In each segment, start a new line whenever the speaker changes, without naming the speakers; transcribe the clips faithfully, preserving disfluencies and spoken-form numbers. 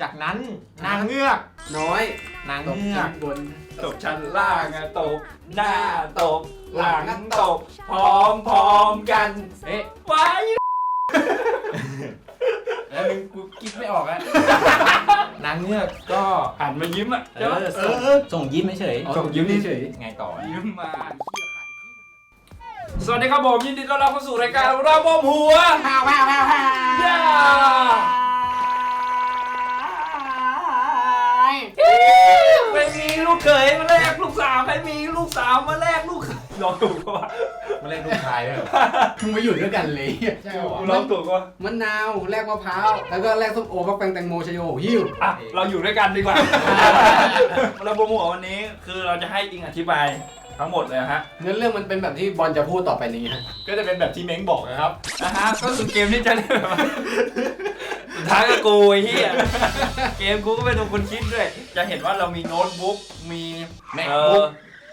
จากนั้นนางเงือก
น้อย
นาง
ตก
เงือ
ชั้
ก
นบน
ตบชั้นล่างอะตบหน้าตบหลังตบพร้อมพร้อมกัน
เอ๊ะ
ไว้
แล้วนึงกูคิดไม่ออกอะนางเงือกก็
หันมายิ้มอ่ะ
เอ
เจ้า
อส่งส่งยิ้มเฉย
ส่งยิ้มเฉย
ไงต่อ
ยิ้มมาสวัสดีครับผมยินดีต้อนรับเข้าสู่รายการเราบอมหัว
ว้าวว้าวว้าวว้าว
ย่าไม่มีลูกเขยมาแลกลูกสาวไม่มีลูกสาวมาแลกลูกลองถูกป่ะ
มาเล่นลูกชายด้วยเหรอ
มึงมาอยู่ด้วยกันเลยใช่หรอ
ลองถูกป่ะ
มะนาวแลกมะพร้าวแล้วก็แลกส้มโอฟักแปงแตงโมชโยหิ้ว
อ่ะเราอยู่ด้วยกันดีกว่า เราบอมหัววันนี้คือเราจะให้อิงอธิบายทั้งหมดเลยฮะ
เนื้อเรื่องมันเป็นแบบที่บอลจะพูดต่อไปนี้ฮะ
ก็จะเป็นแบบที่เม้งบอกนะครับ
นะฮะก็คือเกมที่จะเล่นแบบว่าสุดท้ายก็กูไอ้เหี้ยเกมกูก็เป็นตัวคนคิดด้วยจะเห็นว่าเรามีโน้ตบุ๊กมี
MacBook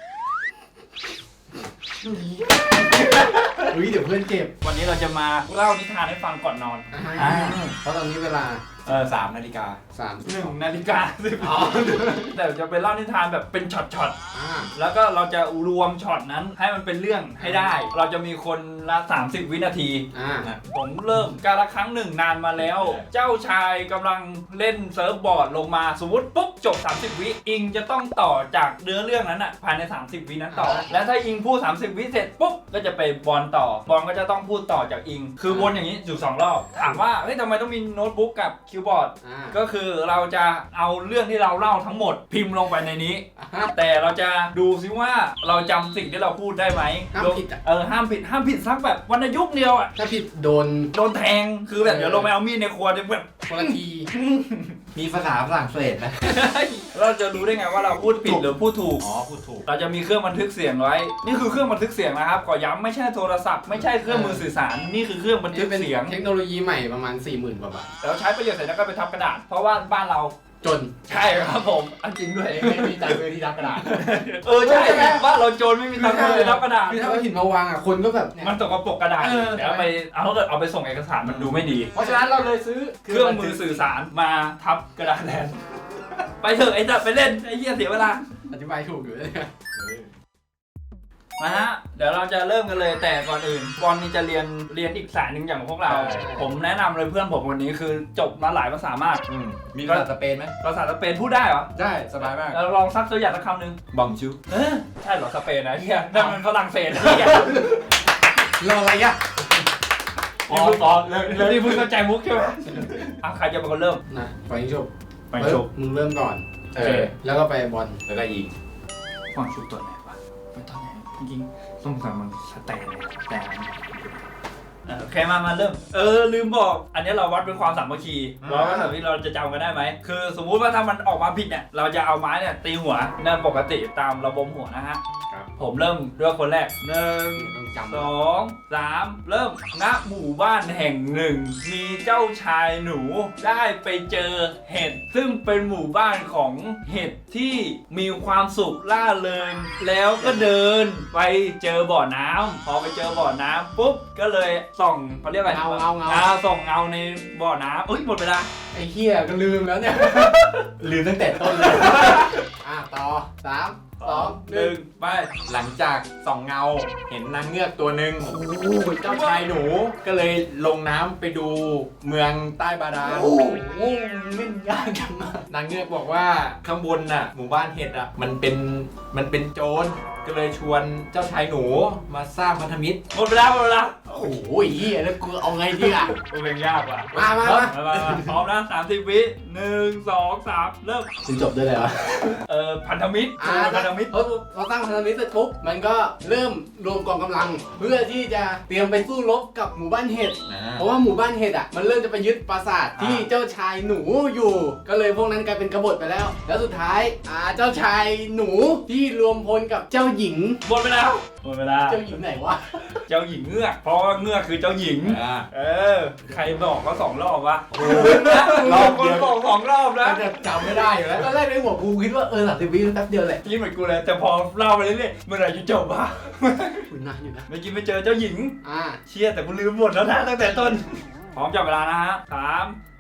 เฮ้ยเดี๋ยวเพื่อนเจ็บ
วันนี้เราจะมาเล่านิทานให้ฟังก่อนนอน
อ่าเพราะตอนนี้เวลา
เออ
สามนาฬิกา
สาม
หนึ่งนาฬิกาสิบแต่จะเป็นเล่านิทานแบบเป็นช็อต
อ่า
ๆแล้วก็เราจะรวมช็อตนั้นให้มันเป็นเรื่องให้ได้ เราจะมีคนละสามสิบวินาที
อ่า
ผมเริ่มการละครั้งหนึ่งนานมาแล้ว เจ้าชายกำลังเล่นเซิร์ฟบอร์ดลงมาสมมติปุ๊บจบ สามสิบ วิอิงจะต้องต่อจากเนื้อเรื่องนั้นอ่ะภายใน สามสิบ วินั้นต่อ และถ้าอิงพูด สามสิบ วิเสร็จปุ๊บก็จะไปบอลต่อบอลก็จะต้องพูดต่อจากอิง คือวนอย่างนี้อยู่สองรอบถามว่าเฮ้ยทำไมต้องมีโน้ตบุ๊กกับคิวบอร์ด
อ่า
ก็คือเราจะเอาเรื่องที่เราเล่าทั้งหมดพิมพ์ลงไปในนี้
อ่า
แต่เราจะดูซิว่าเราจำสิ่งที่เราพูดได้ไหม
ห้ามผิดอะ
เออห้ามผิดห้ามผิดสักแบบวรรณยุกต์เดียวอ่ะ
ถ้าผิดโดน
โดนแทงคือแบบเดี๋ยวลงไปเอามีดในครัวจะแบบ
คนละที
มีภาษาฝรั่งเศสไหม
เราจะรู้ได้ไงว่าเราพูดผิดหรือพูดถูก
อ๋อพูดถูก
เราจะมีเครื่องบันทึกเสียงไว้ นี่คือเครื่องบันทึกเสียงนะครับขอย้ำไม่ใช่โทรศัพท์ไม่ใช่เครื่องมือสื่อสารนี่คือเครื่องบันทึ
นี่
ก
เป็น
เสียง
เทคโนโลยีใหม่ประมาณ สี่หมื่นกว่าบาท
แล้วใช้ประโยชน์เสร็จแล้วก็ไปทับกระดาษ เพราะว่าบ้านเรา
จน
ใช่ครับผมอันจริงด้วย
ไม่มีตังค์ซื้อที่รับกระดาษ
เออใช่บ้านเราโจรไม่มีตังค์เลยทับกระดาษ
คือถ้าเอาหินมาวางอ่ะคนก็แบบเนี่ย
มันตกกระปรกกระดาษ
เออ
เดี๋ยวเอาไปเอาถ้าเกิดเอาไปส่งเอกสารมันดูไม่ดี
เพราะฉะนั้นเราเลยซื้อ
เครื่องมือสื่อสารมาทับกระดาษแทนไปเถอะไอ้จัดไปเล่นไอ้เหี้ยเสียเวลา
อธิบายถูกอยู่เลยเนี่ย
มาฮะเดี๋ยวเราจะเริ่มกันเลยแต่ก่อนอื่นบอลนี่จะเรียนเรียนอีกสายหนึ่งอย่างพวกเรา ผมแนะนำเลยเพื่อนผมวันนี้คือจบมาหลายภาษามาก
อืมมีภาษาสเปนไหม
ภาษาสเปนพูดได้เหรอ
ได้สบายมาก
เราลองซักตัวอย่างสักคำหนึ่ง
บองชู
เออใช่เหรอสเปนนะเฮียนั่นมันฝรั่งเศสนะเฮีย
รออะไรอ่ะ
อ๋ออ๋อเลิกเลิก
นี่เพิ่งเข้าใจมุกใช่ไหมอ่ะใครจะเป็นคนเริ่ม
นะไปยิงจบ
ไปจบ
มึงเริ่มก่อน
เอ
โอเค
อ
แล้วก็ไปบอล
แล้วก็ยิง
ฟังชุดตัวไหนวะไปตอนไหนจริงๆต้องสั่งมันสแตนเลยสแตนเออโอเคมามาเริ่ม เออลืมบอก อันนี้เราวัดเป็นความสามัคคีว่าว่าสามัคคีเราจะจำกันได้ไหมคือสมมุติว่าถ้ามันออกมาผิดเนี่ยเราจะเอาไม้เนี่ยตีหัวนั่นปกติตามระบบหัวนะฮะ
ครับ
ผมเริ่มด้วยคนแรกหนึ่ง
ต้องจำ
สองสามเริ่มณหมู่บ้านแห่งหนึ่ง มีเจ้าชายหนูได้ไปเจอเห็ดซึ่งเป็นหมู่บ้านของเห็ดที่มีความสุขล่าเริงแล้วก็เดินไปเจอบ่อน้ำพอไปเจอบ่อน้ำปุ๊บก็เลยส่องเขาเรียกอะไร
เงาเงาเงา
อ่ส่องเงาในบ่อน้ำเอ้ยหมดเวลา
ไอ้เหี้ยก็ลืมแล้วเนี่ย
ลืมตั้งแต่ต้นเลย
อ่ะต่อสามสอง
ห
หนึ่
นึ่
ง
งไป
หลังจากส่องเงาเห็นนางเงือกตัวหนึ่ง
โอ้โห
เจ้าชายหนูก็เลยลงน้ำไปดูเมืองใต้บาดาล
โอ้โหเล่นยากจังอะ
นางเงือกบอกว่าข้างบนน่ะหมู่บ้านเห็ดอ่ะมันเป็นมันเป็นโจรก็เลยชวนเจ้าชายหนูมาสร้างพันธมิตร
หมดเวลาหมดเวลา
โอ้โหเหี้ยแล้วกูเอาไงดีอ่ะ
โอ้เพลงยากว่ะ
มามามา
มามามาพร้อมนะสามสิบวิหนึ่งสองสามเริ่ม
ถึงจบได้เลยวะ
เอ่อพันธมิตร
อ่า
พันธมิตร
พอพอตั้งพันธมิตรเสร็จปุ๊บมันก็เริ่มรวมกองกำลัง เพื่อที่จะเตรียมไปสู้รบกับหมู่บ้านเห็ด เพราะว่าหมู่บ้านเห็ดอ่ะมันเริ่มจะไปยึดปราสาทที่เจ้าชายหนูอยู่ ก็เลยพวกนั้นกลายเป็นกบฏไปแล้ว แล้วสุดท้ายอ่าเจ้าชายหนูที่รวมพลกับเจ้าหญิง
หมดเวลาหมดเวลา
เจ้าหญิงไหนวะ
เจ้าหญิงเงือกเพราะว่าเงือกคือเจ้าหญิง
อ่า
เออ ใครบอกเขาสองรอบวะ
โอ้
รอบคนบอกสองรอบนะ
ก็จะจำไม่ได้อยู่แล้ว
ตอนแรกในหัวกูคิดว่าเออสามสิบวิแป๊บเดียวแหละ
ที่เหมือนกูเลยแต่พอเล่าไปเรื่อยๆเมื่อไหร่จะจบวะ
คุณนานอยู่นะ
เมื่อกี้ไปเจอเจ้าหญิง
อ่า
เชี่ยแต่กูลืมหมดแล้วนะตั้งแต่ต้นพร้อมจับเวลานะฮะสามส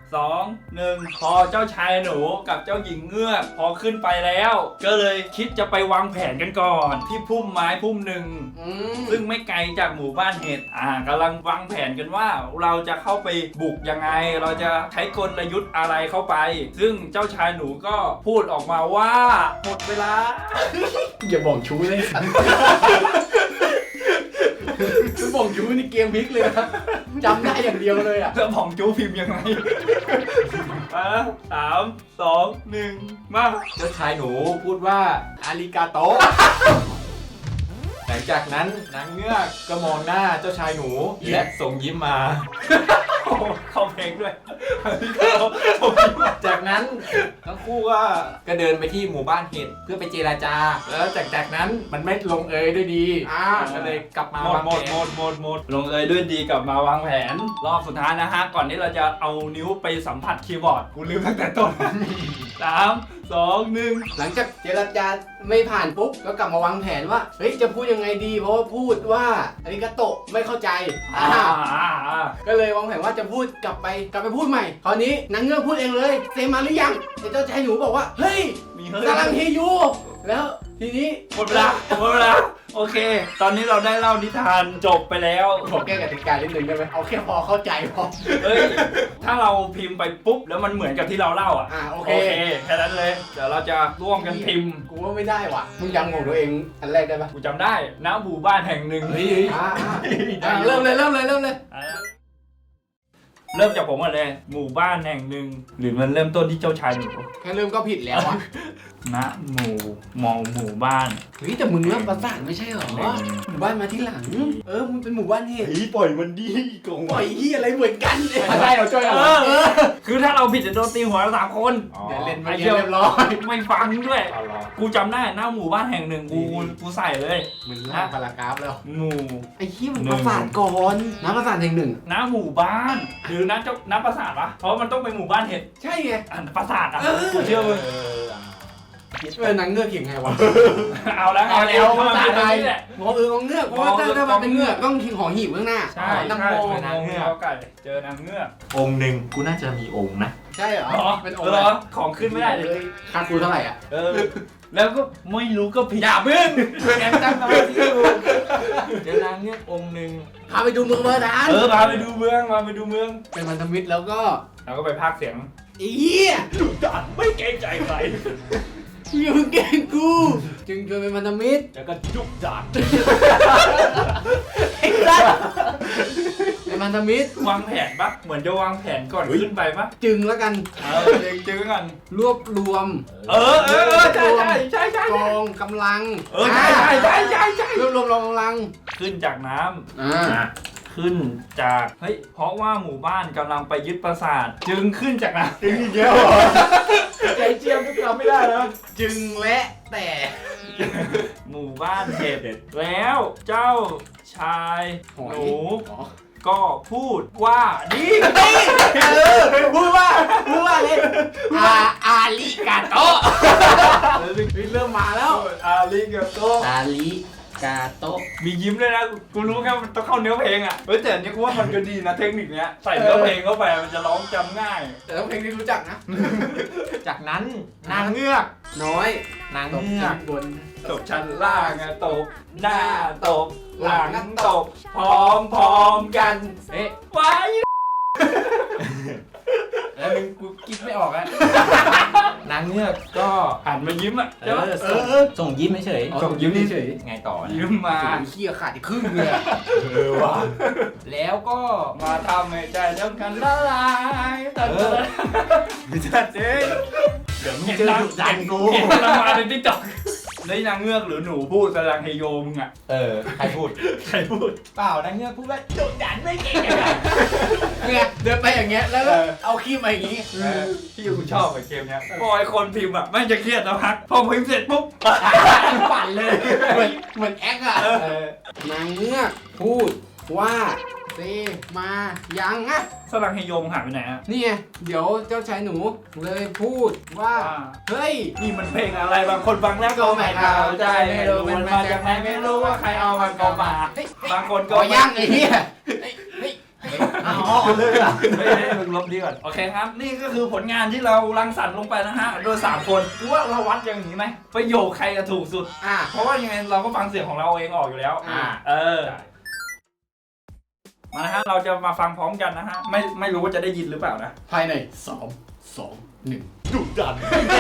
สองหนึ่งพอเจ้าชายหนูกับเจ้าหญิงเงือกพอขึ้นไปแล้ว ก็เลยคิดจะไปวางแผนกันก่อนที่พุ่มไม้พุ่มหนึ่ง
อืม
ซึ่งไม่ไกลจากหมู่บ้านเห็ดอ่ากำลังวางแผนกันว่าเราจะเข้าไปบุกยังไง เราจะใช้กลยุทธ์อะไรเข้าไป ซึ่งเจ้าชายหนูก็พูดออกมาว่าหมดเวลา
อย่าบอกชู้เลยสันคือบอกชู้นี่เกมพลิกเลยนะจำได้อย่างเดียวเลยอ่ะ
แล้วผ่องจูพิมพ์ยังไง มาสามสองหนึ่งมา
เจ้าชายหนูพูดว่าอาริกาโต หลังจากนั้นนางเงือกก็มองหน้าเจ้าชายหนูและส่งยิ้มมา
โอ้เข้าเพลงด้วย
จากนั้นทั้งคู่ก็ก็เดินไปที่หมู่บ้านเห็ดเพื่อไปเจราจา แล้วจากจากนั้นมันไม่ลงเอยด้วยดี
อ่า
ก็เลยกลับมา
หมด
วาง
หม
แผ
ด
น
หมดหมดหมดลงเอยด้วยดีกลับมาวางแผน รอบสุดท้ายนะฮะ ก่อนที่เราจะเอานิ้วไปสัมผัสคีย์บอร์ด กูลืมตั้งแต่ต้น สามสองหนึ่ง
หลังจากเจรจาไม่ผ่านปุ๊บก็กลับมาวางแผนว่าเฮ้ยจะพูดยังไงดี เพราะว่าพูดว่าอาริกาโตะไม่เข้าใจอ่า
อ่าอ่า
ก็เลยวางแผนว่าจะพูดกลับไปกลับไปพูดใหม่คราวนี้นางเงือกพูดเองเลยเซมาหรือยังแต่เจ้าชายหนูบอกว่าเฮ้ย
มีเฮ้ย
กำลังเฮยูแล้วทีนี้
หมดเวลาหมดเวลาโอเค ตอนนี้เราได้เล่านิทานจบไปแล้ว
ขอแก้กติกานิดนึงได้ไหมเอาแค่พอเข้าใจพอ
เฮ้ย ถ้าเราพิมพ์ไปปุ๊บ แล้วมันเหมือนกับที่เราเล่าอ่ะ
อ่าโอ
โอ
เค
เค แค่นั้นเลย เดี๋ยวเราจะร่วมกันพิมพ์
กูว่าไม่ได้ว่ะมึงยังของตัวเองอันแรกได้ปะ
กูจำได้ณหมู่บ้านแห่งหนึ่ง
เฮ้ย
อ่าอ่าอ่าเริ่มเลยเริ่มเลยเริ่มเลย
อ่ะเริ่มจากผมก่อนเลย หมู่บ้านแห่งหนึ่ง หรือมันเริ่มต้นที่เจ้าชายหนู
แค่เริ่มก็ผิดแล้วอ่ะ
ณหมู่มองหมู่บ้าน
เฮ้ยแต่มึงเริ่มประสานไม่ใช่เหรอหมู่บ้านมาที่หลัง เออมึงเป็นหมู่บ้านเหตุ
เฮ้ยปล่อยมันดีกง
ปล่อยที่อะไรเหมือนกันเนี่ย
ไม่ได้เราช่วยกัน
เอ
เหรอ
อคือถ้าเราผิดจะโดนตีหัวเราสามคน
อ๋อ
เดี๋ยวเล่นไป
ไอ้
เรี
เหี้ย
ยบร้อย
ไม่ฟังด้วย
เอาเหรอ
กูจำได้หน้าหมู่บ้านแห่งหนึ่งกูกูใส่เลย
มึงล่างพารากราฟแล้ว
หมู่
ไอ้เหี้ยมันประสานก่อนน้ำประสานแห่งหนึ่ง
น้าหมู่บ้าน หรือน้าเจ้าน้าปราสาทวะเพราะมันต้องเป็นหมู่บ้านเห็ด
ใช่ไง
อ่ะปราสาทอ่ะ
เออ
กูเชื่อมึง
เอออ่ะ
เออนังเงือกเขียงไงวะ
เอาแล้วไง
เอาแล้ว
มัน
ภาษา
เป็น
ไท
แบบ
ย
นี้แหละ
งอเอองอเงือกเพราะว่าถ้าถ้ามันเป็นเงือกต้องทิ้งหอหีบข้างหน้า
ใช่
น้ำ
ใช่
โม
เป็นนางเงือกไก่เจอนางเงือก
องค์หนึ่งกูน่าจะมีองค์นะ
ใช่เหรอ
เหรอ
เป็นอง
เหร
ค์
อของขึ้นไม่ได้เลย
ค่าครูเท่าไหร่อ่ะ
เออแล้วก็ไม่รู้ก็ผิด
อย่าพึ่งแอมตั้งสมาธิอยู่เจอนางเงือกองค์หนึ่ง
พาไปดูเมืองเบอร์ดาน
เออพาไปดูเมืองพาไปดูเมือง
เป็นพันธมิตรแล้วก็
เราก็ไปพากย์เสียง
ไอ้เหี้ย
ดุดันไม่เกรงใจใคร
อย่าเพิ่งแกล้งกู จึงชวนเป็นพันธมิตร
แล้วก็ดุดัน
ไอ้สัสเป็นพันธมิตร
วางแผนปะเหมือนจะวางแผนก่อนขึ้นไปปะ
จึงแล้วกัน
เออเจงจื้อกัน
รวบรวม
เออเออเออใช่ใช่ใช่ใช่
กองกำลัง
เออใช่ใช่ใช่ใช่ใช่
รวบรวมกองกำลัง
ขึ้นจากน้ำ
อ่า
ขึ้นจากเฮ้ยเพราะว่าหมู่บ้านกำลังไปยึดปราสาท จึงขึ้นจากน้ำ
ถึงอีกแล้วเหรอใจเจียมทุกคำไม่ได้นะ
จึงและแต่
หมู่บ้านเห็ดแล้วเจ้าชายหนูก็พูดว่านี่
เออพูดว่าพูดว่าเลยอาอาลิกาโตะเริ่มมาแล้ว
อาลิกาโต
อาลิกาโตะ
มียิ้มด้วยนะกูรู้แค่มันต้องเข้าเนื้อเพลงอ่ะเฮ้ยแต่อันนี้กูว่ามันก็ดีนะเทคนิคเนี้ยใส่เนื้อเพลงเข้าไปมันจะร้องจำง่าย
แต่ต้องเพลงที่รู้จักนะ
จากนั้นนางเงือก
น้อย
นาง
ตก
เงือ
ชั้
ก
นบน
ตบชั้นล่างอะตบหน้าตบหลังตบพร้อมพร้อมกัน
เอ๊ะ
ไว้
แล้วนึงกูคิดไม่ออกอะนางเงือกก็
หันมายิ้มอ่ะ
เอ
ใช่ปะ
อส่งส่งยิ้มเฉย
อ๋อ
ส่งยิ้ม
เฉย
ไงต่อนะ
ยิ้มมา
ๆไอ้เขี้ยขาดอีกครึ่งเลยอะ
เออว่ะแล้วก็
มาทำให้ใจเท่ากันละลายตัด
เออ
จัดเจ๊เดี๋ยวเห็น
เจอ
ดัง
ดุดันกู
เห็นกำลังมาในติ๊กต็อกได้นางเงือกหรือหนูพูดกำลังเฮโยมึงอ่ะ
เออใครพูด
ใครพูด
เปล่านางเงือกพูดว่าดุดันไม่เก่งอะไร
เนี่ยเดินไปอย่างเงี้ยแล้วก็
เออ
เอาขี้มาอย่างงี้
เออที่กูชอบไอ้เกมเนี้ยพอไอ้คนพิมพ์อ่ะแม่งจะเครียดนะพักพอพิมพ์เสร็จปุ๊บ
ปั่นเลยเหมือนเหมือนแอคอะ
เออน
างเงือกพูดว่าเซมายังอะ
สลังเฮโยมหายไปไหนอ่ะ
นี่ไงเดี๋ยวเจ้าชายหนูเลยพูดว่า
อ่า
เฮ้ย
นี่มันเพลงอะไรบางคนฟังแล้วก็ไม่เข้าใจไม่รู้มันมาจากไหนไม่รู้ว่าใครเอามันก็มา บางคนก็
ก็ยังไอ้เหี้ยเฮ้ยเฮ้ยเฮ้ยเอา
เอาเลยอ่ะ
ไม่ได้มึงลบดีก่อนโอเคครับ นี่ก็คือผลงานที่เรารังสรรค์ลงไปนะฮะโดยสามคนกูว่าเราวัดอย่างนี้ไหมประโยคใครจะถูกสุด
อ่า
เพราะว่ายังไงเราก็ฟังเสียงของเราเองออกอยู่แล้ว
อ่า
เออมานะฮะเราจะมาฟังพร้อมกันนะฮะไม่ไม่รู้ว่าจะได้ยินหรือเปล่านะ
ภายในสองสองหนึ่ง
ดุดัน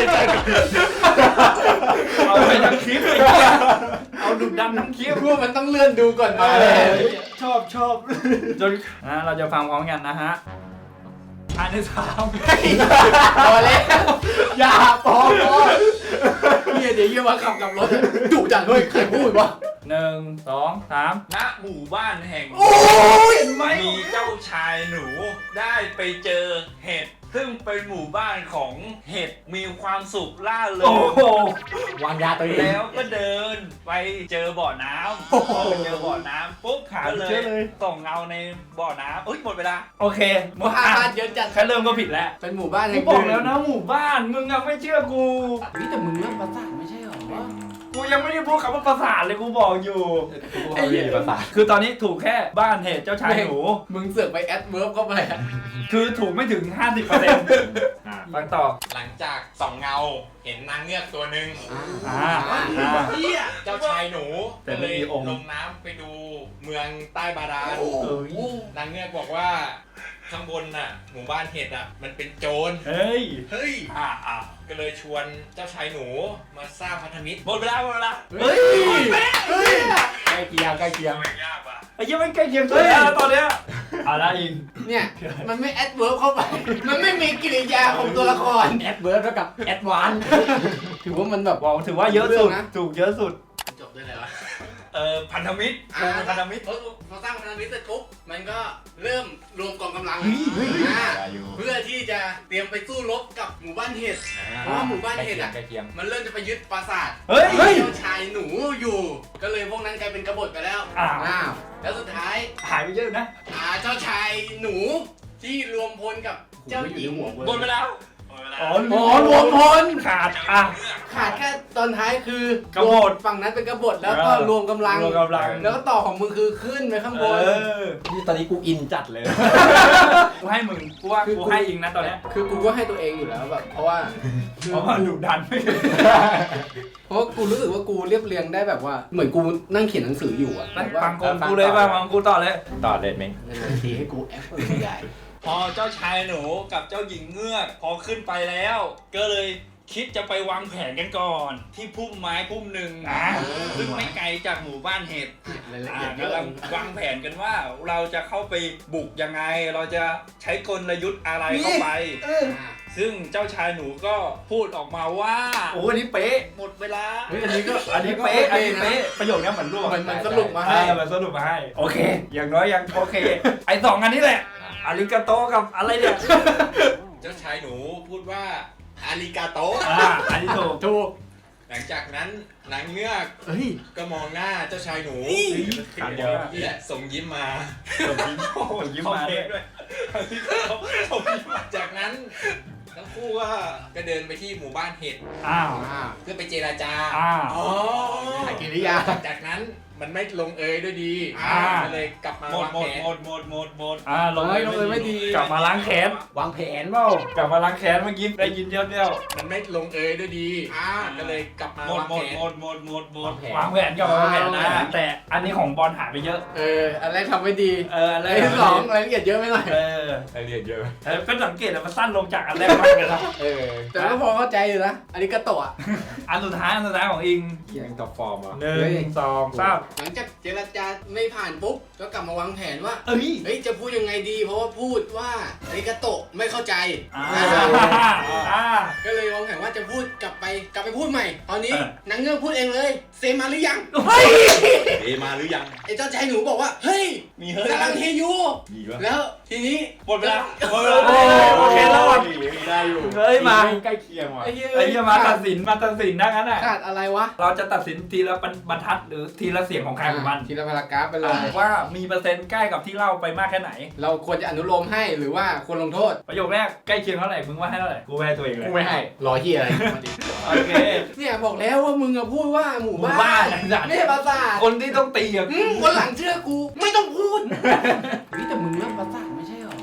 เอาไปทั้งคลิปเลยเนี่ยเอาดุดันทั้งคลิป
รู้ว่ามันต้องเลื่อนดูก่อนมา
เอ
เลย
อชอบชอบ
จนนะเราจะฟังพร้อมกันนะฮะอันที่สาม
พอแล้ว
อย่าพอพอ
เฮียเดี๋ยวเฮียมาขับกับรถดุจังเฮ้ยใครพูดวะ
หนึ่งสองสาม
ณหมู่บ้านแห่ง
โอ้ยเห็นไหม
มีเจ้าชายหนูได้ไปเจอเห็ดซึ่งเป็นหมู่บ้านของเห็ดมีความสุขล่าเริ
โอ้
ง
โห
วางยาตัวเอง
แล้วก็เดินไปเจอบ่อน้ำพอไปเจอบ่อน้ำปุ๊บก็เลยส่องเงาในบ่อน้ำเอ้ยหมดเวลา
โอเคมึง
บ้า
อ่ะ
บ้านเยอะจัด
แค่เริ่มก็ผิดแล้ว
เป็นหมู่บ้าน
กู
แห่ง
บอกแล้วนะหมู่บ้านมึงอะไม่เชื่อกู
เฮ้ยแต่มึงเริ่มประสาทไม่ใช่หรอ
กูยังไม่ได้พูดคำว่าประสาทเลยกูบอกอยู่
ไอ้เหี้ยภาษา
คือตอนนี้ถูกแค่บ้านเหตุเจ้าชายหนู
มึงเสือกไปแอดเวิร์บเข้าไปอะ
คือถูกไม่ถึง ห้าสิบเปอร์เซ็นต์ ฟังต่อ
หลังจากส่องเงาเห็นนางเงือกตัวหนึ่ง
อ่าอ่า
เฮียเจ้าชายหนู
แต่
ก็
ไม่
เลย
มีองค์
ลงน้ำไปดูเมืองใต้บาดาล
เออน
างเงือกบอกว่าข้างบนน่ะหมู่บ้านเห็ดอ่ะมันเป็นโจร
เฮ้ย
เฮ้ย อ่าอ่าก็เลยชวนเจ้าชายหนูมาสร้างพันธมิตรหมดเวลาหมดเวลา
เฮ้ย
เฮ้ย
ใกล้เคียงใกล้เคียง
ไม่ยากว่ะ
ไอ้ยังไม่ใกล้เคียงเลยนะตอนเนี้ยเอาละอิง
เนี่ยมันไม่แอดเวิร์บเข้าไป มันไม่มีกิริยาของตัวละคร
แอดเวิร์ดเท่ากับแอดวานซ์
ถือว่ามันแบบ
บอกถือว่าเยอะสุด
เรื่องนะ
ถูกเยอะสุด
จบได้เลยวะ
เออพันธมิตร
อ่า
พันธมิตร
พอพอสร้างพันธมิตรเสร็จปุ๊บมันก็เริ่มรวมกองกำลัง
เฮ้ย
อ่า
อยู่
เพื่อที่จะเตรียมไปสู้รบกับหมู่บ้านเห็ด เพราะว่าหมู่บ้านเห็ดอะ
ใกล้เคียง
มันเริ่มจะไปยึดปราสาท
เฮ้ย
เจ้าชายหนูอยู่ ก็เลยพวกนั้นกลายเป็นกบฏไปแล้ว
อ้าว
อ้าวแล้วสุดท้าย
หายไปเยอะนะ
อ่าเจ้าชายหนูที่รวมพลกับเจ้าหญิง
หมดเวลาหมดเวลา
อ๋อ
อ๋อรวมพล
ขาดอ่ะ
ขาดแค่ตอนท้ายคือก
บฏ
ฝั่งนั้นเป็นกบฏแล้วก็
เออ
รวมกำลัง
รวมกำลัง
แล้วก็ต่อของมึงคือขึ้นไปข้างบน
เออ
นี่ตอนนี้กูอินจัดเลย
กูให้มึงกูว่า
คือ
กูให้อิงนะตอนเนี้ย
คือกูก็ให้ตัวเองอยู่แล้วแบบเพราะว่าคือ
เพราะว่าดุดันไม่
เพราะว่ากูรู้สึกว่ากูเรียบเรียงได้แบบว่าเหมือนกูนั่งเขียนหนังสืออยู่อะ
ไป
แบบว่า
ฟังกูกูเลยป่ะฟังกูต่อเลย
ต่อเลยเม้ง
ทีให้กูแอปเปิลใหญ่
พอเจ้าชายหนูกับเจ้าหญิงเงือกพอขึ้นไปแล้ว ก็เลยคิดจะไปวางแผนกันก่อน ที่พุ่มไม้พุ่มหนึ่ง
อ่า
ซึ่งไม่ไกลจากหมู่บ้านเห็ด
รายละ
อ่า
เอียดเย
กำลั
อะ
งวางแผนกันว่าเราจะเข้าไปบุกยังไง เราจะใช้กลยุทธ์อะไรเข้าไป
อ่า
ซึ่งเจ้าชายหนูก็พูดออกมาว่า
โอ้อันนี้เป๊ะ
หมดเวลา
เฮ้ยอันนี้ก็
อันนี้เป๊ะอันนี้เป๊ะประโยคนี้เหมือนรวม
มันมันสรุปมา
เอ
ให้
อมันสรุปมาให้ โอเค อย่างน้อยยังโอเค ไอสองอันนี้แหละ อาริกาโตกับอะไรเนี่ย
เจ้าชายหนูพูดว่าอาริกาโต
อ่า อันนี้ถูก
ถูก
หลังจากนั้นนางเงือก
เฮ้ย
ก็มองหน้าเจ้าชายหนู
คำเดียว
และส่งยิ้มมา
ส่งยิ้มโอ้โหยิ้มมาด้วย
ด้วยส่งยิ้มมาจากนั้นทั้งคู่ก็ก็เดินไปที่หมู่บ้านเห็ด
อ้าว
อ่า
เพื่อไปเจราจา
อ้าว
อ๋อ
หากิริยา
จากนั้นมันไม่ลงเอยด้วยดี
อ่า
ก็เลยกลับมา
หมด
วาง
หมด
แผน
หมดหมดหมดหมดอ่าลง
เฮ้ยลงเอยไม่ดี
กลับมาล้างแค้น
วางแผนเปล่าก
ลับมาล้างแค้นเมื่อกี้ได้ยินเดียวเดียว
มันไม่ลงเอยด้วยดี
อ่า
ก็เลยกลับมา
หมด
วาง
หม
แผ
ด
น
หมดหมดหมดหมด
วางแผน
วางแผนกับวางแผนนะ
อ่า
แต่อันนี้ของบอลหายไปเยอะ
เอออันแรกทำไม่ดี
เอออะไร
ไอ้ที่สองรายละเอียดเยอะไปหน่อย
เออ
รายละเอียดเยอะ
เออก็สังเกตอะมันสั้นลงจากอันแรกมากเลยนะ
เออ
แต่ก็พอเข้าใจอยู่นะอันนี้ก็โตะอะ
อันสุดท้ายอันสุดท้ายของอิง
ยังต่อฟอร์มอ่ะ
หนึ่งสองสาม
หลังจากเจรจาไม่ผ่านปุ๊บก็กลับมาวางแผนว่า
เอ้ย
เฮ้ยจะพูดยังไงดี เพราะว่าพูดว่าอาริกาโตะไม่เข้าใจ
อ่า
อ่า
อ่า
ก็เลยวางแผนว่าจะพูดกลับไปกลับไปพูดใหม่ ตอนนี้
เออ
นางเงือกพูดเองเลย เซมาหรือยัง
เฮ้ย
เอมาหรือยัง
ไอ้เจ้าชายหนูบอกว่าเฮ้ย
มีเฮ้ย
กำลังเฮยู
ดีวะ
แล้วทีนี้
หมดเวลา
หมดเวลาโอเคแล้วว่ะ
ได้อยู่
เฮ้ยมา
ใกล้เคียงว่ะ
ไอ้เหี้ย
ไอ้เหี้ยมาตัดสินมาตัดสินนะงั้นอ่ะ
ขาดอะไรวะ
เราจะตัดสินทีละบรรทัดหรือทีละเสียงของใครของมัน
ทีละพารากราฟไปเลย
ว่ามีเปอร์เซ็นต์ใกล้กับที่เล่าไปมากแค่ไหน
เราควรจะอนุโลมให้หรือว่าควรลงโทษ
ประโยคแรกใกล้เคียงเท่าไหร่มึงว่าให้เท่าไหร่กูให้ตัวเองเลย
กูไม่ให้
รอที่อะไรมาดิ
โอเค
เนี่ยบอกแล้วว่ามึงอะพูดว่าหมู่
หมู่
บ้า
บ้าน
นไม่ใช่ปราสาท
คนที่ต้องตีอ่ะ
อืมวันหลังเชื่อกูไม่ต้องพูดเฮ้ยแต่มึงเริ่มประสาทไม่ใช่หรอ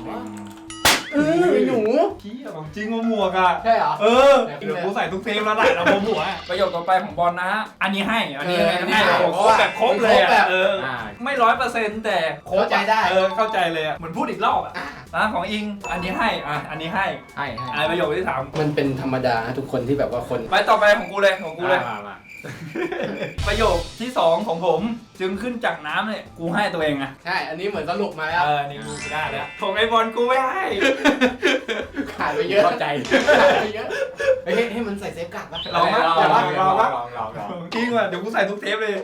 อหนู
ขี้ของจริงว่าหมวกอ่ะ
ใช่เหรอ
เออเดี๋ยวกูใส่ทุกเทปแล้วแหละเราโมหมวกอะ
ประโยคต่อไปของบอลนะฮะอันนี้ให้อันนี้
เออ
ให้
อันนี้
ให้
ให้
โอ้โหครบแบบครบเลย
ครบแบบ
อะเออ
อ่า
ไม่ร้อยเปอร์เซ็นต์แต่ครบ
เข้าใจได้
เออเข้าใจเลยอ่ะ
เหมือนพูดอีกรอบอ่ะนะของอิงอันนี้ให้อ่ะอันนี้ให้
ให้ให้
อ่ะประโยคที่สาม
มันเป็นธรรมดาทุกคนที่แบบว่าคน
ไปต่อไปของกูเลยของกูเลย
มามา
ประโยคที่สองของผมจึงขึ้นจากน้ำเนี่ยกูให้ตัวเองอะ
ใช่ อันนี้เหมือนสรุปมาแล้ว
เออนี่กูได้แล้วของไอ้บอลกูไม่ให้
ขาดไปเยอะ
เข้าใจ
ขาดไปเยอะเฮ้ยให้มันใส่เซฟการ์ดปะ
ลองไหม
ลอง
ลอง
ล
ไหม
องลองลองลองลอง
จริงว่ะเดี๋ยวกูใส่ทุกเทปเลย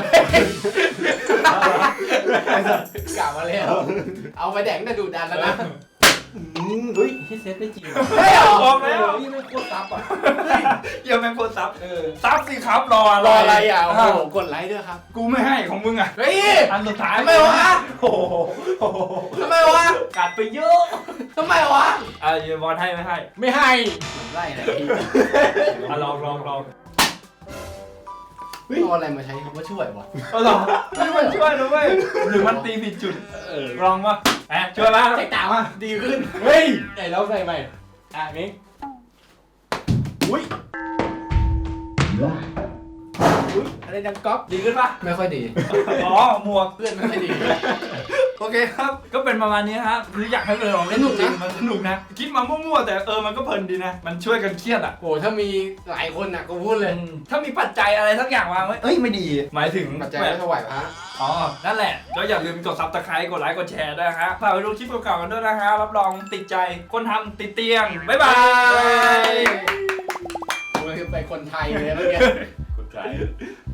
กลับมาแล้ว เอาไปแดกแต่ดูดันแล้วนะ
เฮ้ยที่เซฟได้จริง
เฮ้ยเหรอ
บอกแล้ว
นี่ไม่โคตรซับอ่ะ
เยี่ยมแม่งโคตรซับ
เออ
ซับสิครับรออะไร
รออะไรอ่ะ โอ้โห กดไลค์ด้วยครับ
กูไม่ให้ของมึงอ่ะ
เฮ้ย
อันสุดท้าย
ทำไมวะ
โอ้โห
ทำไมวะ
กัดไปเยอะ
ทำไมวะ
อ่ะเดี๋ยวบอลให้ไม่ให้
ไม่ให้ไล่อะไรพี่
อ่ะลองลองลอง
เอาอะไรมาใช้คำว่าช่วยวะ
เอาลองไม่มันช่วยนะเว้ยหรือมันตีผิดจุด
เออ
ลองวะแอะช่วยมา
แตกต่างมาดีขึ้น
เฮ้ยไหนเราใส่ใหม่อ่ะมิงอุ้ยอุ้ยอะไรดังก๊อป
ดีขึ้นปะ
ไม่ค่อยดี
อ๋อหมวก
เพื่อนไม่ค่อยดี
โอเคครับ ก็เป็นประมาณนี้ครับคืออยากให้ไปลองเล่น
สนุกนะ
จริงๆมันสนุกนะ คิดมามั่วๆแต่เออมันก็เพลินดีนะ มันช่วยกันเครียดอ่ะ
โอ้ถ้ามีหลายคนน่ะก็พูดเลย
ถ้ามีปัจจัยอะไรสักอย่างวางไว้เอ้ยไม่ดี หมายถึง
ปัจจัยไม่ถวายพระ
อ๋อ นั่นแหละก็อย่าลืมกดซับสไครต์กดไลค์กดแชร์ด้วยนะฮะฝากไปดูคลิปเก่าๆกันด้วยนะฮะรับรองติดใจคนทำติดเตียง บ๊ายบาย
โอ้ยไปคนไทยเลยเมื่อกี้
กดใจ